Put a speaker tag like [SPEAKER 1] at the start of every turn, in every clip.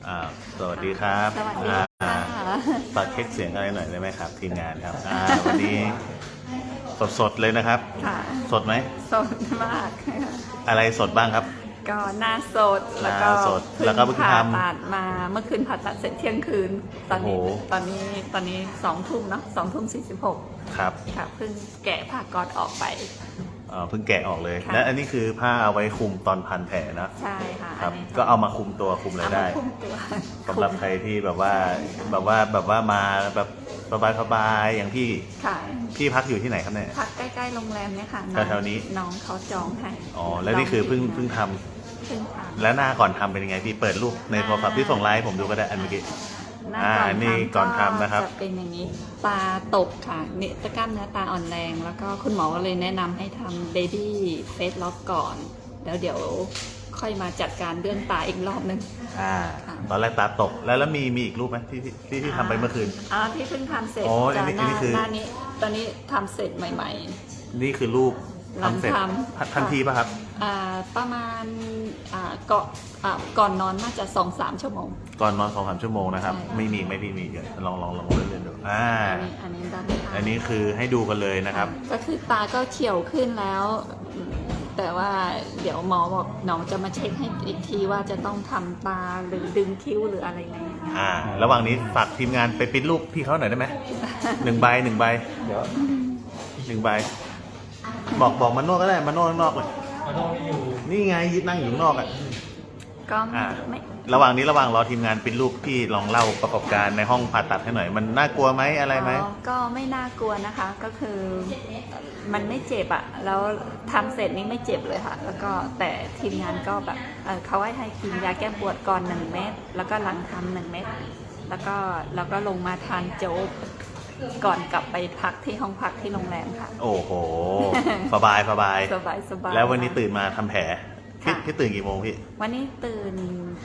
[SPEAKER 1] อ่าสวัสดีครับ
[SPEAKER 2] สวัสดีค่ะ
[SPEAKER 1] ฝากเช็คเสียงอะไรหน่อยได้ไหมครับทีมงานครับวันนี้สดเลยนะครับ
[SPEAKER 2] ค่ะ
[SPEAKER 1] สดไหม
[SPEAKER 2] สดมาก
[SPEAKER 1] อะไรสดบ้างครับ
[SPEAKER 2] ก็หน้าสด
[SPEAKER 1] หน้า
[SPEAKER 2] แล้วก็
[SPEAKER 1] สดแล้วก็เพิ่ง
[SPEAKER 2] ผ่า
[SPEAKER 1] ทำ
[SPEAKER 2] ตัดมาเมื่อคืนผ่าตัดเสร็จเที่ยงคืน ตอนนี้
[SPEAKER 1] โอ้โห
[SPEAKER 2] ตอนนี้2 ทุ่มเนาะ2 ทุ่ม 46
[SPEAKER 1] ครับ
[SPEAKER 2] ค่ะเพิ่งแกะผ้าก๊อซออกไป
[SPEAKER 1] เพิ่งแกะออกเลย
[SPEAKER 2] ค่ะ
[SPEAKER 1] และอันนี้คือผ้าเอาไว้คลุมตอนพันแผลนะ
[SPEAKER 2] ใช่ค่ะ
[SPEAKER 1] ครับ
[SPEAKER 2] อันนี้
[SPEAKER 1] ก็เอามาคลุมตัวคลุมอะไร
[SPEAKER 2] เอามา
[SPEAKER 1] ได้
[SPEAKER 2] คุมตัว
[SPEAKER 1] สำหรับใครที่แบบว่ามาแบบสบายๆอย่างพี่
[SPEAKER 2] ค่ะ
[SPEAKER 1] พี่พักอยู่ที่ไหนครับเนี่ย
[SPEAKER 2] พักใกล้ๆโรงแรมเนี่ยค่ะ
[SPEAKER 1] แถวๆนี้
[SPEAKER 2] น้องเขาจองให้
[SPEAKER 1] อ๋อแล้วนี่คือเพิ่งท
[SPEAKER 2] เพิ่งท
[SPEAKER 1] ำ
[SPEAKER 2] ำ
[SPEAKER 1] แล้วหน้าก่อนทำเป็นยังไงพี่เปิดรูปในโทรศัพท์ที่ส่งไลน์ให้ผมดูก็ได้อันเมื่อกี้
[SPEAKER 2] หน้าก่อน
[SPEAKER 1] นี่
[SPEAKER 2] ทำ
[SPEAKER 1] ก่อนทำนะครับ
[SPEAKER 2] จะเป็นอย่างนี้ตาตกค่ะเนี่ยตะกล้ามเนื้อตาอ่อนแรง แล้วก็คุณหมอก็เลยแนะนำให้ทำ baby face lock ก่อน แล้วเดี๋ยวค่อยมาจัดการเรื่องตาอีกรอบนึง
[SPEAKER 1] อ่า
[SPEAKER 2] ค่ะ
[SPEAKER 1] ตอนแรกตาตกแล้วมีอีกรูปไหมที่ทำไปเมื่อคืน
[SPEAKER 2] ที่เพิ่งทำเสร็จ
[SPEAKER 1] อ๋ออั
[SPEAKER 2] จาน
[SPEAKER 1] นี้
[SPEAKER 2] หน้า
[SPEAKER 1] นี่คือ
[SPEAKER 2] หน้านี้ตอนนี้ทำเสร็จใหม่
[SPEAKER 1] นี่คือรูป
[SPEAKER 2] หลัง
[SPEAKER 1] ทำเสร็จ
[SPEAKER 2] ทำ
[SPEAKER 1] ทันทีป่ะครับ
[SPEAKER 2] ประมาณก่อนนอนน่าจะ 2-3 ชั่วโมง
[SPEAKER 1] ก่อนนอน 2-3 ชั่วโมงนะครับ
[SPEAKER 2] ใช่
[SPEAKER 1] ไม่มีไม่พี่มีเดี๋ยวลองเล่นๆดู
[SPEAKER 2] อันนี้ด้านข้าง
[SPEAKER 1] อันนี้คือให้ดูกันเลยนะครับ
[SPEAKER 2] ก็คือตาก็เฉียวขึ้นแล้ว แต่ว่าเดี๋ยวหมอบอกน้องจะมาเช็คให้อีกทีว่าจะต้องทำตาหรือดึงคิ้วหรืออะไรไหม
[SPEAKER 1] ระหว่างนี้ฝากทีมงานไปปริ้นรูปพี่เขาหน่อยได้ไหม 1 ใบ
[SPEAKER 3] เดี๋ยว
[SPEAKER 1] 1 ใบบอกมันนวดก็ได้มันนวดข้างนอกเลย
[SPEAKER 3] มันต้องอยู่
[SPEAKER 1] นี่ไงยึดนั่งอยู่ข้างนอกอ่ะ
[SPEAKER 2] ก็
[SPEAKER 1] อ่า
[SPEAKER 2] ไม่
[SPEAKER 1] ระหว่างรอทีมงานปริ้นรูปพี่ลองเล่าประกอบการในห้องผ่าตัดให้หน่อย มันน่ากลัวไหมอะไรไหม
[SPEAKER 2] ก็ไม่น่ากลัวนะคะ ก็คือมันไม่เจ็บอะแล้วทำเสร็จนี่ไม่เจ็บเลยค่ะ แล้วก็แต่ทีมงานก็แบบเขาให้กินยาแก้ปวดก่อน1 เม็ดแล้วก็หลังทำ1 เม็ดแล้วก็ลงมาทานโจ๊กก่อนกลับไปพักที่ห้องพักที่โรงแรมค่ะ
[SPEAKER 1] โอ้โห สบาย
[SPEAKER 2] สบาย
[SPEAKER 1] แล้ววันนี้ตื่นมาทำแผล
[SPEAKER 2] ค่ะ
[SPEAKER 1] พี่ตื่นกี่โมงพี่
[SPEAKER 2] วันนี้ตื่น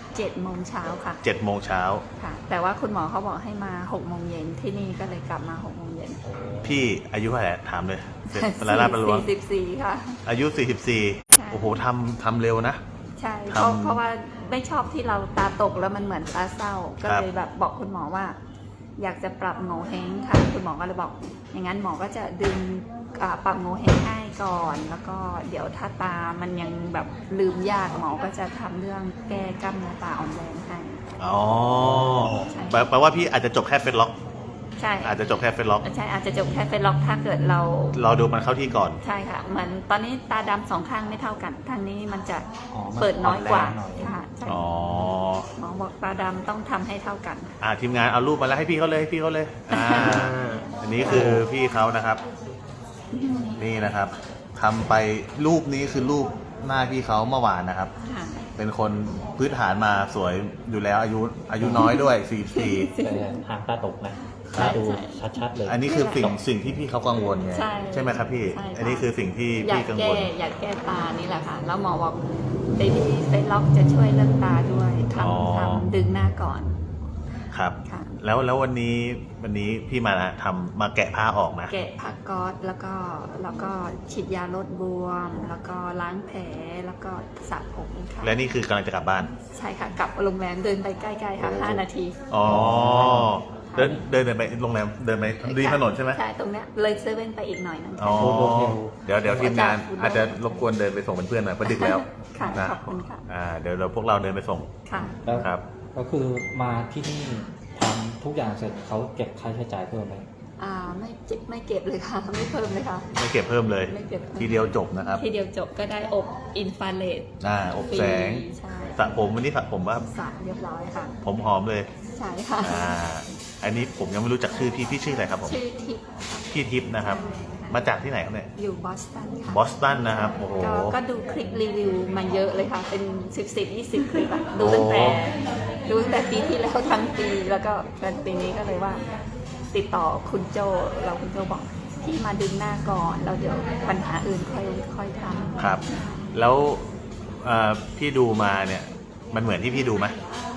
[SPEAKER 2] 7 โมงเช้าค่ะ
[SPEAKER 1] 7 โมงเช้า
[SPEAKER 2] ค่ะ แต่ว่าคุณหมอเขาบอกให้มา6 โมงเย็นที่นี่ก็เลยกลับมา6 โมงเย็น
[SPEAKER 1] พี่อายุเท่าไหร่ถามเลยเสร็จเวลาลาดประลวง
[SPEAKER 2] 44ค่ะ
[SPEAKER 1] อายุ
[SPEAKER 2] ใช่
[SPEAKER 1] 44 โอ้โหทำเร็วนะ
[SPEAKER 2] ใช่
[SPEAKER 1] ทำ
[SPEAKER 2] เพราะว่าไม่ชอบที่เราตาตกแล้วมันเหมือนตาเศร้า ก็เลยแบบบอกคุณหมอว่า อยากจะปรับโงเห้งค่ะ คุณหมอก็เลยบอก อย่างนั้นหมอก็จะดึงปรับโงเห้งให้ก่อน แล้วก็เดี๋ยวถ้าตามันยังแบบลืมยากหมอก็จะทำเรื่องแก้กล้ามเนื้อตาอ่อนแรงให้
[SPEAKER 1] อ๋อ แปลว่าพี่อาจจะจบแค่เฟซล็อก
[SPEAKER 2] ใช่
[SPEAKER 1] อาจจะจบแค่เฟซล็อก
[SPEAKER 2] ใช่อาจจะจบแค่เฟซล็อกถ้าเกิดเรา
[SPEAKER 1] รอดูมันเข้าที่ก่อน
[SPEAKER 2] ใช่ค่ะเหมือนตอนนี้ตาดำ2 ข้างไม่เท่ากัน ทางนี้มันจะ
[SPEAKER 3] มัน
[SPEAKER 2] เปิดน้อยกว่า
[SPEAKER 3] แรงหน่อย
[SPEAKER 2] ค่ะใช่
[SPEAKER 1] อ๋อ
[SPEAKER 2] หมอบอกตาดำต้องทำให้เท่ากัน
[SPEAKER 1] ทีมงานเอารูปมาแล้วให้พี่เขาเลยอันนี้คือพี่เขานะครับ นี่นะครับทำไปรูปนี้คือรูปหน้าพี่เขาเมื่อวานนะครับ
[SPEAKER 2] ค่ะ
[SPEAKER 1] เป็นคนพื้นฐานมาสวยอยู่แล้วอายุน้อยด้วย44
[SPEAKER 3] แต่หางตาตกนะ
[SPEAKER 2] ใช่
[SPEAKER 3] ดู
[SPEAKER 2] ใช่
[SPEAKER 3] ชัดๆเลย
[SPEAKER 1] อันนี้คือสิ่งที่พี่เขากังวลไง
[SPEAKER 2] ใช่
[SPEAKER 1] ไหมครับพี่
[SPEAKER 2] ใช่ค่ะ
[SPEAKER 1] อันนี้คือสิ่งที่
[SPEAKER 2] อยา
[SPEAKER 1] พี่
[SPEAKER 2] ก
[SPEAKER 1] กัง
[SPEAKER 2] แก้
[SPEAKER 1] วล
[SPEAKER 2] อยากแก้ตานี่แหละค่ะ แล้วหมอบอกเบบี้เฟซล็อกจะช่วยเรื่องตาด้วยท
[SPEAKER 1] อ๋อ
[SPEAKER 2] ำดึงหน้าก่อน
[SPEAKER 1] ครับ
[SPEAKER 2] ค่ะ
[SPEAKER 1] แล้ววันนี้พี่มาแกะผ้าออกนะ
[SPEAKER 2] แกะผ้าก๊อซแล้วก็ฉีดยาลดบวม แล้วก็ล้างแผลแล้วก็สระผมค่ะ
[SPEAKER 1] และนี่คือกำลังจะกลับบ้าน
[SPEAKER 2] ใช่ค่ะกลับโรงแรมเดินไปใกล้ๆค่ะ5 นาที
[SPEAKER 1] อ๋อ เดินไปโรงแรมเดินไปริมถนนใช่ไหม
[SPEAKER 2] ใช่ตรงเนี้ยเลยเซเว่นไปอีกหน่อยนึง
[SPEAKER 1] อ๋อ เดี๋ยวทีมงานอาจจะรบกวนเดินไปส่งเป็นเพื่อนหน่อยเพราะดึกแล้ว
[SPEAKER 2] ค่ะ
[SPEAKER 1] นะ
[SPEAKER 2] ขอบคุณค่ะ
[SPEAKER 1] เดี๋ยวพวกเราเดินไปส่ง
[SPEAKER 2] ค่ะ
[SPEAKER 3] แล้ว
[SPEAKER 1] ครับ
[SPEAKER 3] ก็คือมาที่นี่ทำทุกอย่างเสร็จเขาเก็บค่าใช้จ่ายเพิ่มไหม
[SPEAKER 2] ไม่เก็บเลยค่ะ ไม่เพิ่มเลยค่ะ
[SPEAKER 1] ไม่เก็บเพิ่มเลย
[SPEAKER 2] ไม่เก็บเพิ่ม
[SPEAKER 1] ทีเดียวจบนะครับ
[SPEAKER 2] ทีเดียวจบก็ได้อบอินฟราเรด
[SPEAKER 1] อบแสง
[SPEAKER 2] ใช่
[SPEAKER 1] สระผมวันนี้สระผมว่า
[SPEAKER 2] สระเรียบร้อยค่ะ
[SPEAKER 1] ผมหอมเลย
[SPEAKER 2] ใช่ค่ะ
[SPEAKER 1] อันนี้ผมยังไม่รู้จักชื่อพี่ชื่ออะไรครับผม
[SPEAKER 2] ชื่อทิพย์
[SPEAKER 1] พี่ทิพย์นะครับ มาจากที่ไหนครับเนี่ย
[SPEAKER 2] อยู่บอสตันค่ะ
[SPEAKER 1] บอสตันนะครับ โอ้โห
[SPEAKER 2] ก็ดูคลิปรีวิวมาเยอะเลยค่ะ เป็น10-20 คลิปอะดูตั้งแต่ปีที่แล้วทั้งปีแล้วก็เป็นปีนี้ก็เลยว่า ติดต่อคุณโจเราคุณโจบอกพี่มาดึงหน้าก่อนแล้วเดี๋ยวปัญหาอื่นค่อยทำ
[SPEAKER 1] ครับ แล้วพี่ดูมาเนี่ย มันเหมือนที่พี่ดูไหม
[SPEAKER 2] ก็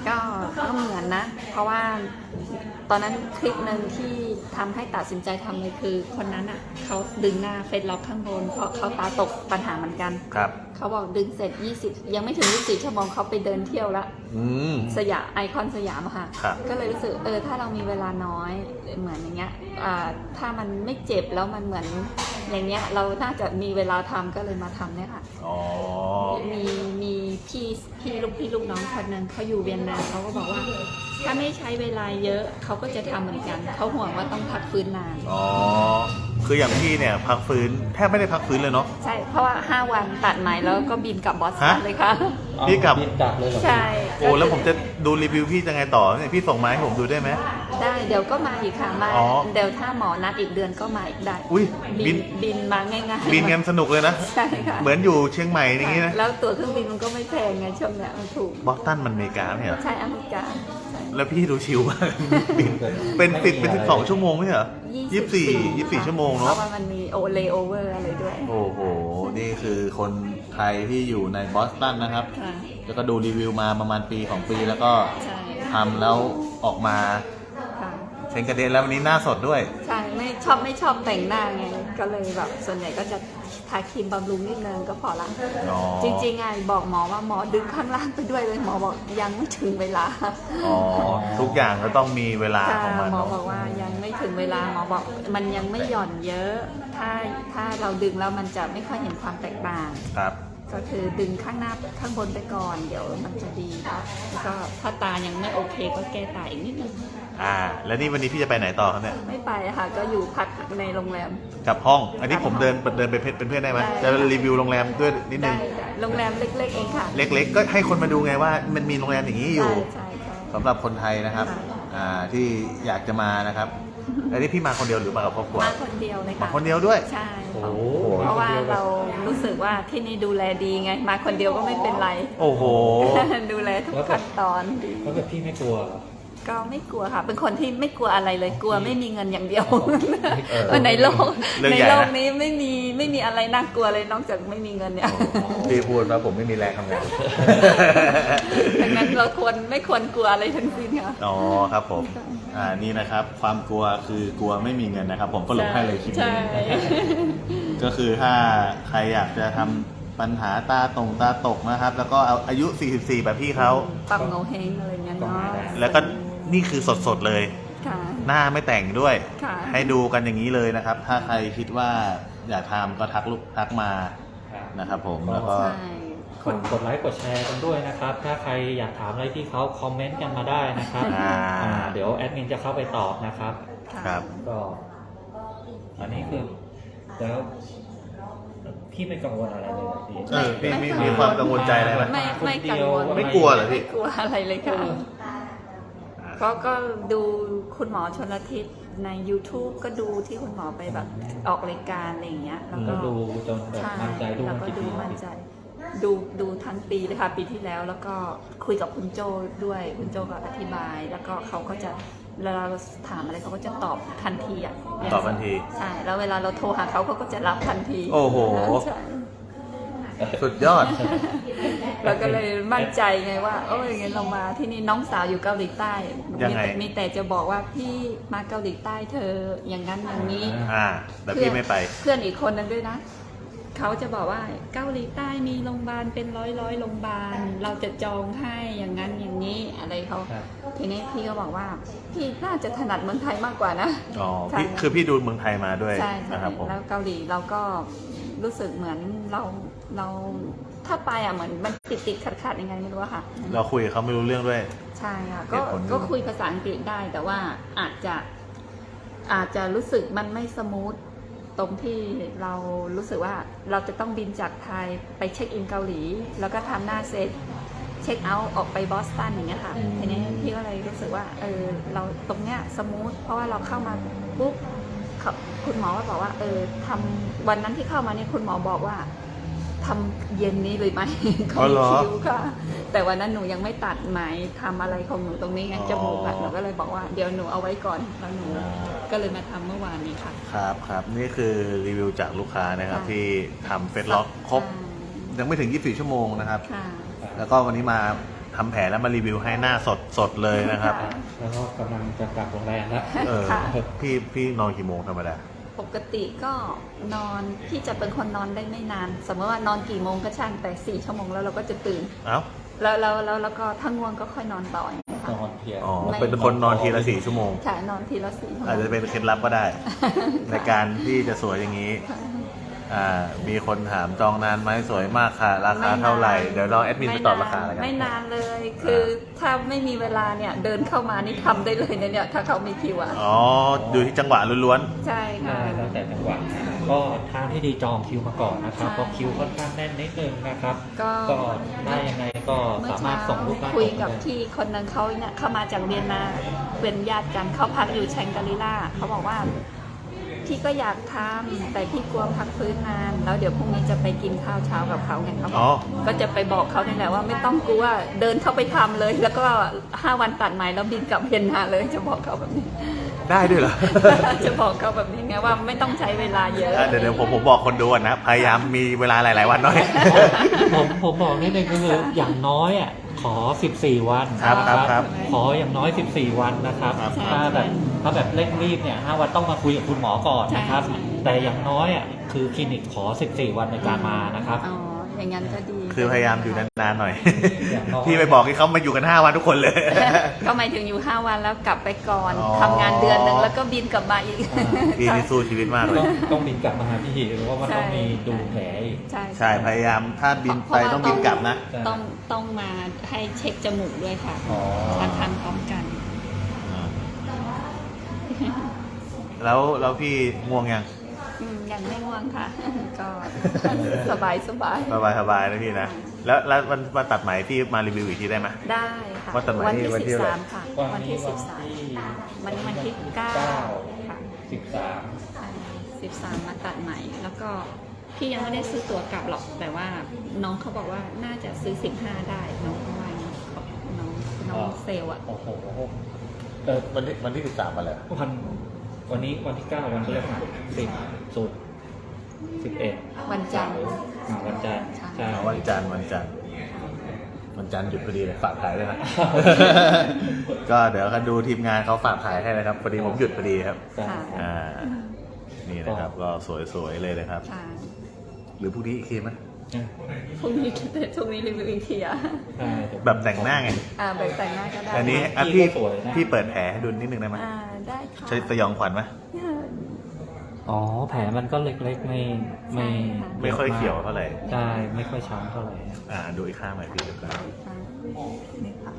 [SPEAKER 2] ก็เหมือนนะ เพราะว่าตอนนั้นคลิปหนึ่งที่ทำให้ตัดสินใจทำเลยคือคนนั้นอ่ะเขาดึงหน้าเฟซล็อกข้างบนเพราะเขาตาตกปัญหาเหมือนกัน
[SPEAKER 1] ครับ
[SPEAKER 2] เขาบอกดึงเสร็จ 20 ยังไม่ถึง 24 ชั่วโมงเขาไปเดินเที่ยวละ
[SPEAKER 1] อืม
[SPEAKER 2] สยามไอคอนสยามอะค่ะ
[SPEAKER 1] ครับ
[SPEAKER 2] ก็เลยรู้สึกถ้าเรามีเวลาน้อยเหมือนอย่างเงี้ยถ้ามันไม่เจ็บแล้วมันเหมือนอย่างเงี้ยเราน่าจะมีเวลาทำก็เลยมาทำเนี่ยค่ะ
[SPEAKER 1] อ๋อ
[SPEAKER 2] มีพี่ลูกน้องคนหนึ่งเขาอยู่เวียนนาเขาก็บอกว่า ถ้าไม่ใช้เวลาเยอะเขาก็จะทำเหมือนกันเขาห่วงว่าต้องพักฟื้นนาน
[SPEAKER 1] อ๋อ คืออย่างพี่เนี่ยพักฟื้นแทบไม่ได้พักฟื้นเลยเนาะ
[SPEAKER 2] ใช่เพราะว่า 5 วันตัดไหมแล้วก็บินกลับบอสตัน
[SPEAKER 1] ฮะ
[SPEAKER 2] เลยค่ะ
[SPEAKER 1] พี่กลับ
[SPEAKER 3] บินกลับเลยเหรอ
[SPEAKER 2] ใช่
[SPEAKER 1] โอ้แล้วผมจะดูรีวิวพี่จะไงต่อเนี่ยพี่ส่งมาให้ผมดูได้ไหม
[SPEAKER 2] ได้เดี๋ยวก็มาอีกค่ะมา
[SPEAKER 1] อ๋อ
[SPEAKER 2] เดี๋ยวถ้าหมอนัดอีกเดือนก็มาอีกได้
[SPEAKER 1] อุ้ยบิน
[SPEAKER 2] บินมาง่ายๆ
[SPEAKER 1] บินกันสนุกเลยนะ
[SPEAKER 2] ใช่ค่ะ
[SPEAKER 1] เหมือนอยู่เชียงใหม่อย่างงี้นะ
[SPEAKER 2] แล้วตั๋วเครื่องบินมันก็ไม่แพงไงช่วงเนี้ยมันถูก
[SPEAKER 1] บอสตันมันอเมริกาไม่ใช่เหรอ
[SPEAKER 2] ใช่อเมริกาใช่
[SPEAKER 1] แล้วพี่ดูชิลมากบินเป็นติดเป็น12 ชั่วโมงไม่ใช่เหรอ24 ชั่วโมง
[SPEAKER 2] เพ
[SPEAKER 1] เนาะ
[SPEAKER 2] ราะว่ามันมีเลโอเวอร์อะไรด้วย
[SPEAKER 1] โอ้โห นี่คือคนไทยที่อยู่ในบอสตันนะครับ
[SPEAKER 2] ค่ะ
[SPEAKER 1] แล้วก็ดูรีวิวมาประมาณปี2 ปีแล้วก็
[SPEAKER 2] ใช่
[SPEAKER 1] ทำแล้วออกมา
[SPEAKER 2] ค่ะ
[SPEAKER 1] เชงกระเด็นแล้ววันนี้หน้าสดด้วย
[SPEAKER 2] ใช่ไม่ชอบแต่งหน้าไงก็เลยแบบส่วนใหญ่ก็จะทาครีมบำรุงนิดนึงก็พอละ
[SPEAKER 1] อ๋อ
[SPEAKER 2] จริงๆไงบอกหมอว่าหมอดึงข้างล่างไปด้วยเลยหมอบอกยังไม่ถึงเวลา
[SPEAKER 1] อ๋อ ทุกอย่างก็ต้องมีเวลา
[SPEAKER 2] ค่ะ
[SPEAKER 1] ของมัน
[SPEAKER 2] หมอ
[SPEAKER 1] เนาะ
[SPEAKER 2] บอกว่ายังไม่ถึงเวลาหมอบอกมันยังไม่หย่อนเยอะ ถ้าเราดึงแล้วมันจะไม่ค่อยเห็นความแตกต่าง
[SPEAKER 1] ครับ
[SPEAKER 2] ก็คือดึงข้างหน้าข้างบนไปก่อนเดี๋ยวมันจะดีครับแล้วก็ถ้าตายังไม่โอเคก็แก้ตาอีกนิดนึง
[SPEAKER 1] แล้วนี่วันนี้พี่จะไปไหนต่อครับเนี่ย
[SPEAKER 2] ไม่ไปค่ะก็อยู่พักในโรงแรม
[SPEAKER 1] กลับห้อง อันนี้ผมเดินไปเป็นเพื่อนได้ไหม
[SPEAKER 2] ได้
[SPEAKER 1] จะรีวิวโรงแรมด้วยนิดนึ
[SPEAKER 2] ได้
[SPEAKER 1] ง
[SPEAKER 2] โรงแรมเล็กๆเองค่ะ
[SPEAKER 1] เล็กๆ ก็ให้คนมาดูไงว่ามันมีโรงแรมอย่างนี้อยู่
[SPEAKER 2] ใช่
[SPEAKER 1] สำหรับคนไทยนะครับ ที่อยากจะมานะครับ อันนี้พี่มาคนเดียวหรือมากับครอบครัว
[SPEAKER 2] มาคนเดียวเลย
[SPEAKER 1] มา
[SPEAKER 2] ค่ะ
[SPEAKER 1] คนเดียวด้วย
[SPEAKER 2] ใช่
[SPEAKER 3] โอ้โห
[SPEAKER 2] เพราะว่าเรารู้สึกว่าที่นี่ดูแลดีไง มาคนเดียวก็ไม่เป็นไร
[SPEAKER 1] โอ้โห
[SPEAKER 2] ดูแลทุกขั้นตอนดี
[SPEAKER 3] แล้วแบบพี่ไม่กลัวเหรอ
[SPEAKER 2] ก็ไม่กลัวค่ะ เป็นคนที่ไม่กลัวอะไรเลยกลัวไม่มีเงินอย่างเดียว
[SPEAKER 3] เออ
[SPEAKER 2] ในโลก
[SPEAKER 1] เรื่อง
[SPEAKER 2] ใน
[SPEAKER 1] ใหญ่นะ
[SPEAKER 2] โลกนี้ไม่มีอะไรน่ากลัวเลยนอกจากไม่มีเงินเนี่ย
[SPEAKER 1] พี่พูดว่าผมไม่มีแรงทำงาน
[SPEAKER 2] ดังนั้นเราไม่ควรกลัวอะไรทั้งสิ้นค่ะ
[SPEAKER 1] อ๋อครับผม นี่นะครับ ความกลัวคือกลัวไม่มีเงินนะครับ ผมก็ลงให้เลยคลิป
[SPEAKER 2] ใช่
[SPEAKER 1] นี้ ก็คือถ้าใครอยากจะทำปัญหาตาตกนะครับ แล้วก็เอาอายุ 44 แบบพี่เขา
[SPEAKER 2] ปรับเงาเฮงอะไรเงี้ยเนาะ
[SPEAKER 1] แล้วก็นี่คือสดๆเลย
[SPEAKER 2] ค่ะ
[SPEAKER 1] หน้าไม่แต่งด้วย
[SPEAKER 2] ค่ะ
[SPEAKER 1] ให้ดูกันอย่างนี้เลยนะครับ ถ้าใครคิดว่าอยากทำก็ทักมานะครับผม แล้วก็
[SPEAKER 2] ใช่
[SPEAKER 3] กดไลค์กดแชร์กันด้วยนะครับ ถ้าใครอยากถามอะไรที่เขาคอมเมนต์กันมาได้นะครับ เดี๋ยวแอดมินจะเข้าไปตอบนะครับ
[SPEAKER 2] ค่ะ
[SPEAKER 1] ครับ
[SPEAKER 3] ก็ อันนี้คือแล้วพี่ไม่กังวลอะไรเลยเหรอพี่
[SPEAKER 1] พี่มีความกังวลใจอะไรไหม
[SPEAKER 2] ไม่กังวล
[SPEAKER 1] ไม่กลัวเหรอพี่
[SPEAKER 2] ไม่กลัวอะไรเลยค่ะก็ดูคุณหมอชนละทิศใน YouTube ก็ดูที่คุณหมอไปแบบออกรายการอะไรอย่างเงี้ยแล้วก็
[SPEAKER 3] แล้วดูจนแบบ
[SPEAKER 2] ใช่
[SPEAKER 3] มั่นใจดู
[SPEAKER 2] แล้ว
[SPEAKER 3] มา
[SPEAKER 2] ก็
[SPEAKER 3] กี่
[SPEAKER 2] ดู
[SPEAKER 3] ปี
[SPEAKER 2] มั่นใจ ดูทั้งปีเลยค่ะปีที่แล้ว แล้วก็คุยกับคุณโจด้วยคุณโจก็อธิบาย แล้วก็เขาก็จะเวลาเราถามอะไรเขาก็จะตอบทันทีอ่ะ
[SPEAKER 1] ตอบทันที
[SPEAKER 2] ใช่แล้วเวลาเราโทรหาเขาก็จะรับทันที
[SPEAKER 1] โอ้โห
[SPEAKER 2] ใช่
[SPEAKER 1] สุดยอด
[SPEAKER 2] เราก็เลยมั่นใจไงว่าโอ้ยงั้นเรามาที่นี่น้องสาวอยู่เกาหลีใต้
[SPEAKER 1] ยังไง
[SPEAKER 2] มีแต่จะบอกว่าพี่มาเกาหลีใต้เธออย่างนั้นอย่างนี้
[SPEAKER 1] แต่พี่ไม่ไป
[SPEAKER 2] เพื่อนอีกคนนึงด้วยนะเขาจะบอกว่าเกาหลีใต้มีโรงพยาบาลเป็นร้อยโรงพยาบาลเราจะจองให้อย่างนั้นอย่างนี้อะไรเขา
[SPEAKER 3] ครับ
[SPEAKER 2] ทีนี้พี่ก็บอกว่าพี่น่าจะถนัดเมืองไทยมากกว่านะ
[SPEAKER 1] อ๋อ
[SPEAKER 2] ใช่
[SPEAKER 1] คือพี่ดูเมืองไทยมาด้วย
[SPEAKER 2] ใช่
[SPEAKER 1] นะครับผม
[SPEAKER 2] แล้วเกาหลีเราก็รู้สึกเหมือนเราถ้าไปอ่ะเหมือนมันติดขัดยังไงไม่รู้อะค่ะ
[SPEAKER 1] เราคุยกับเขาไม่รู้เรื่องด้วย
[SPEAKER 2] ใช่ค่ะ
[SPEAKER 1] เหตุผล
[SPEAKER 2] ก็คุยภาษาอังกฤษได้แต่ว่าอาจจะรู้สึกมันไม่สมูทตรงที่เรารู้สึกว่าเราจะต้องบินจากไทยไปเช็คอินเกาหลี แล้วก็ทำหน้าเซตเช็คเอาท์ออกไปบอสตันอย่างเงี้ยค่ะทีนี้พี่ก็เลยรู้สึกว่าเราตรงเนี้ยสมูทเพราะว่าเราเข้ามาปุ๊บคุณหมอก็บอกว่าทำวันนั้นที่เข้ามาเนี่ยคุณหมอบอกว่าทำเย็นนี้เลยไหม
[SPEAKER 1] อ๋อเหรอ
[SPEAKER 2] คิวค่ะ แต่วันนั้นหนูยังไม่ตัดไหมทำอะไรของหนูตรงนี้ไงจมูกอะหนูก็เลยบอกว่าเดี๋ยวหนูเอาไว้ก่อนแล้วหนูก็เลยมาทำเมื่อวานนี้ค่ะ
[SPEAKER 1] ครับนี่คือรีวิวจากลูกค้านะครับ
[SPEAKER 2] ค่ะ
[SPEAKER 1] ที่ทำเฟซล็อกครบยังไม่ถึง 24 ชั่วโมงนะครับ
[SPEAKER 2] ค่ะ
[SPEAKER 1] แล้วก็วันนี้มาททำแผลแล้วมารีวิวให้หน้าสดเลยนะครับ
[SPEAKER 2] ค่ะ
[SPEAKER 3] แล้วก็กำลังจะกลับโรงแรมแล้ว
[SPEAKER 2] ค่ะ
[SPEAKER 1] พี่นอนกี่โมงธรรมดา
[SPEAKER 2] ปกติก็นอนพี่จะเป็นคนนอนได้ไม่นาน สมมติว่านอนกี่โมงก็ช่างแต่4 ชั่วโมงแล้วเราก็จะตื่น
[SPEAKER 1] เอ้า
[SPEAKER 2] แล้วก็ถ้าง่วงก็ค่อยนอนต่ออย่างเงี้ย
[SPEAKER 3] น
[SPEAKER 2] ค่ะ
[SPEAKER 3] อนเพลีย
[SPEAKER 1] อ๋อเป็นคนนอนทีละ4 ชั่วโมง
[SPEAKER 2] ค่ะนอนทีละ4 ชั่วโมง
[SPEAKER 1] อาจจะเป็นเคล็ดลับก็ได้ ในการที่จะสวยอย่างนี้ มีคนถามจองนานไหมสวยมากค่ะ ราคาเท่าไหร่ เดี๋ยวเราแอดมินไปตอบราคาแล้วกัน
[SPEAKER 2] ไม่นานเลย คือถ้าไม่มีเวลาเนี่ยเดินเข้ามานี่ทำได้เลยนะเนี่ยถ้าเขามีคิวอ่ะ
[SPEAKER 1] อ๋อดูที่จังหวะล้วน
[SPEAKER 2] ใช่ค่ะ
[SPEAKER 3] ได้แล้วแต่จังหวะก็ทางที่ดีจองคิวมาก่อนนะครับ
[SPEAKER 2] ใช่
[SPEAKER 3] เพราะคิวค่อนข้างแน่นนิดนึงนะครับ
[SPEAKER 2] ก็
[SPEAKER 3] ก็ได้ยังไงก็
[SPEAKER 2] เมื่อ
[SPEAKER 3] สามาร
[SPEAKER 2] เช้า
[SPEAKER 3] ถส่งรูปหน้า
[SPEAKER 2] คุย
[SPEAKER 3] ป
[SPEAKER 2] กับ
[SPEAKER 3] ได้
[SPEAKER 2] ที่คนนึงเขาเนี่ยเข้ามาจากเวียนนาเป็นญาติกันเขาพักอยู่แชงกรีล่าเขาบอกว่าพี่ก็อยากทำแต่พี่กลัวพักฟื้นนาน แล้วเดี๋ยวพรุ่งนี้จะไปกินข้าวเช้ากับเขาไงเขาบ
[SPEAKER 1] อ๋
[SPEAKER 2] อ
[SPEAKER 1] อ
[SPEAKER 2] กก็จะไปบอกเขาเนี่ยแหละว่าไม่ต้องกลัวเดินเข้าไปทำเลย แล้วก็5 วันตัดใหม่แล้วบินกลับเวียนนาเลยจะบอกเขาแบบนี้
[SPEAKER 1] ได้ด้วยเหรอ
[SPEAKER 2] จะบอกเขาแบบนี้ไงว่าไม่ต้องใช้เวลาเยอะ
[SPEAKER 1] เดี๋ยวผมบอกคนดูก่อนนะ พยายามมีเวลาหลาย ๆ วันหน่อย
[SPEAKER 3] ผมบอกนิดนึงก็คืออย่างน้อยอ่ะขอ 14 วัน
[SPEAKER 1] ครับ
[SPEAKER 3] นะครับ ขออย่างน้อย 14 วันนะครับ
[SPEAKER 1] ครับ
[SPEAKER 3] ถ้าแบบเร่งรีบเนี่ย5 วันต้องมาคุยกับคุณหมอก่อนนะครับ
[SPEAKER 2] ใช่
[SPEAKER 3] แต่อย่างน้อยอ่ะคือคลินิกขอ 14 วันในการมานะครับ
[SPEAKER 2] อ๋ออย่างนั้นก็ดี
[SPEAKER 1] คือพยายามอยู่นาน ๆ หน่อย
[SPEAKER 3] อย่างน้อย
[SPEAKER 1] พี่ไปบอกให้เขามาอยู่กัน 5 วันทุกคนเลย
[SPEAKER 2] ก็หมายถึงอยู่5 วันแล้วกลับไปก่อน
[SPEAKER 1] อ๋อ
[SPEAKER 2] ทำงานเดือนหนึ่งแล้วก็บินกลับมาอีก
[SPEAKER 1] พี่นี่สู้ชีวิตมากเลย
[SPEAKER 3] ต้องบินกลับมาหาพี่หรือว่ามันต้องมีดูแผลอีก
[SPEAKER 2] ใช่
[SPEAKER 1] ใช่ พยายามถ้าบินไปต้องบินกลับนะ
[SPEAKER 2] ต้องมาให้เช็คจมูกด้วยค่ะ
[SPEAKER 3] อ๋อ
[SPEAKER 2] ทำพร้อมกัน
[SPEAKER 1] แล้วพี่ง่วงยัง
[SPEAKER 2] ยังไม่ง่วงค่ะ ก็สบาย
[SPEAKER 1] สบายนะพี่นะ แล้ววันตัดไหมพี่มารีวิวอีกทีได้ไหม
[SPEAKER 2] ได้ค่ะ
[SPEAKER 1] วันตัดไหม
[SPEAKER 2] วันที่
[SPEAKER 1] วันที่อะไร
[SPEAKER 2] 13ค่ะ วันที่13วันนี้วันที่9ค่ะ 13มาตัดใหม่ แล้วก็พี่ยังไม่ได้ซื้อตั๋วกลับหรอก แต่ว่าน้องเขาบอกว่าน่าจะซื้อ15ได้น้องเขาว่าอย่างนี้น้องเซลล์อ่ะ
[SPEAKER 3] โอ้โห
[SPEAKER 1] วันที่13มาเลย
[SPEAKER 3] วันนี้วันที่ 9 วันพฤหัส10 11
[SPEAKER 2] วันจันทร์
[SPEAKER 3] วันจันทร์ใช่
[SPEAKER 1] วันจันทร์หยุดพอดีเลยฝากขายด้วยนะ ก็เดี๋ยวกันดูทีมงานเขาฝากขายให้นะครับพอดีผมหยุดพอดีครับ
[SPEAKER 3] ใช่
[SPEAKER 1] อ่า นี่นะครับก็สวยๆเลยนะครับ
[SPEAKER 2] ค่ะ
[SPEAKER 1] หรือพรุ่งนี้อีกทีไหม
[SPEAKER 2] พรุ่งนี้รีวิวอีกทีอ่ะ
[SPEAKER 3] ใช่
[SPEAKER 1] แบบแต่งหน้าไง
[SPEAKER 2] แบบแต่งหน้าก็ได้
[SPEAKER 1] อันนี้
[SPEAKER 3] พี่ก็สวยนะ
[SPEAKER 1] พี่เปิดแผลให้ดูนิดนึงได้ไหม
[SPEAKER 2] ได้ค่ะ
[SPEAKER 1] ใช้สยองขวัญไหม
[SPEAKER 3] อ๋อแผลมันก็เล็กๆไม่
[SPEAKER 1] ไม่ค่อยเขียวเท่าไหร่
[SPEAKER 3] ใช่ไม่ค่อยช้ำเท่าไหร่
[SPEAKER 1] ดูอีกข้างหน่อยพี่ดูกัน
[SPEAKER 2] นี่ค่ะ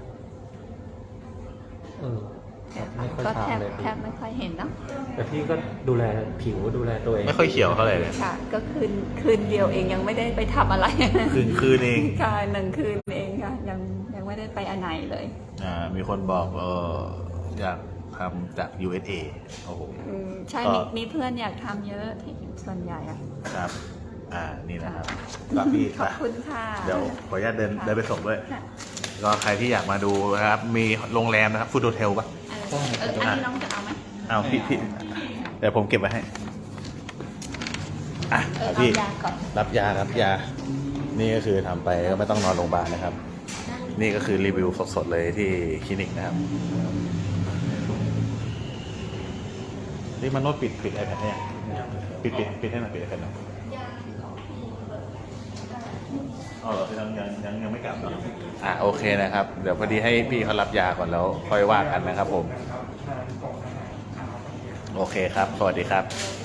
[SPEAKER 3] ไม่ค่อย
[SPEAKER 2] ก็แทบ
[SPEAKER 3] ช้ำเลย
[SPEAKER 2] แทบไม่ค่อยเห็นเนาะ
[SPEAKER 3] แต่พี่ก็ดูแลผิวดูแลตัวเอง
[SPEAKER 1] ไม่ค่อยเขียวเท่าไหร่เลย
[SPEAKER 2] ค่ะ ก็คืนเดียวเองยังไม่ได้ไปทำอะไร
[SPEAKER 1] คืนเอง
[SPEAKER 2] ค่ะ1 คืนเองค่ะยังไม่ได้ไปอันไหนเลย
[SPEAKER 1] มีคนบอกอยากทำจาก USA โอ้โห
[SPEAKER 2] ใช่
[SPEAKER 1] ก็
[SPEAKER 2] มีเพื่อนอยากทำเยอะที่ส่วนใหญ่อะ
[SPEAKER 1] ครับ นี่นะครับกับพี่
[SPEAKER 2] ขอบคุณค่ะ
[SPEAKER 1] เดี๋ยวขออนุญาตเดินไปส่งด้วย
[SPEAKER 2] ค่ะ
[SPEAKER 1] ก็ใครที่อยากมาดูนะครับ มีโรงแรมนะครับฟูดโฮเทลปะ
[SPEAKER 2] อันนี้น้องจะเอาไหม
[SPEAKER 1] เอาพี่เดี๋ยวผมเก็บไว้ให้
[SPEAKER 2] เอา
[SPEAKER 1] พี่
[SPEAKER 2] ยาก่อน
[SPEAKER 1] รับยาครับยา นี่ก็คือทำไปก็ไม่ต้องนอนโรงพยาบาลนะครับ นี่ก็คือรีวิวสดๆเลยที่คลินิกนะครับ นี่มันโน้ตปิด iPad ให้ยังปิดให้หน่อยปิด iPad หน่อยอ๋อเหรอยังไม่กลับเนาะโอเคนะครับ เดี๋ยวพอดีให้พี่เขารับยาก่อนแล้วค่อยว่ากันนะครับผม โอเคครับ สวัสดีครับ